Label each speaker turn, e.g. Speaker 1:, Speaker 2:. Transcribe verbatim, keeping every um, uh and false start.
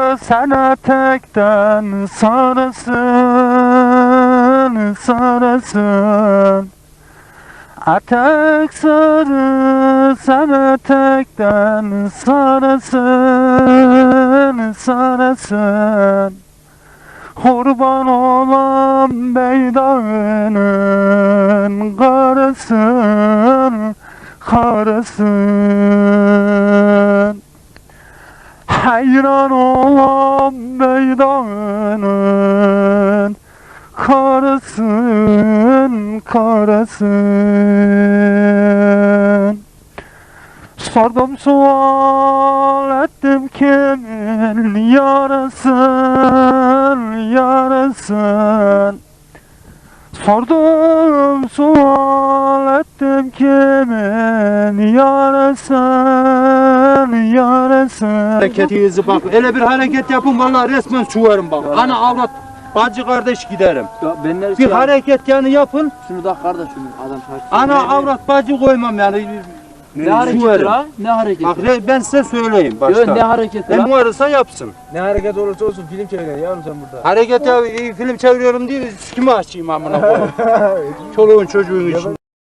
Speaker 1: sen etekten sarısın, sarısın. Etek sarı, sen etekten sarısın, sarısın. Kurban olan beydağının karısın, karısın. Hayran olan beydağının karısın, karısın. Sordum sual ettim kimin yarasın, yarasın. Sordum sual ettim kimin yarasın, yarasın.
Speaker 2: Hareketinizi bak, öyle bir hareket yapın vallahi resmen çuvarım bak. Ana avrat, bacı kardeş giderim.
Speaker 3: Ya ben neresi
Speaker 2: Bir
Speaker 3: ya?
Speaker 2: hareket yani yapın.
Speaker 3: Şunu da kardeş şunu adam şaşırdı.
Speaker 2: Ana avrat bacı koymam yani.
Speaker 3: Ne hareketi
Speaker 2: Çuvarım.
Speaker 3: la? Ne hareketi?
Speaker 2: Bak re- ben size söyleyeyim
Speaker 3: Yo,
Speaker 2: başta.
Speaker 3: ne hareketi
Speaker 2: Ne
Speaker 3: la?
Speaker 2: varsa yapsın.
Speaker 4: Ne hareket olursa olsun film çeviriyorsun yavrum sen burada.
Speaker 2: Hareket ya, film çeviriyorum diye kime açayım amına koyayım. Çoluğun çocuğun için.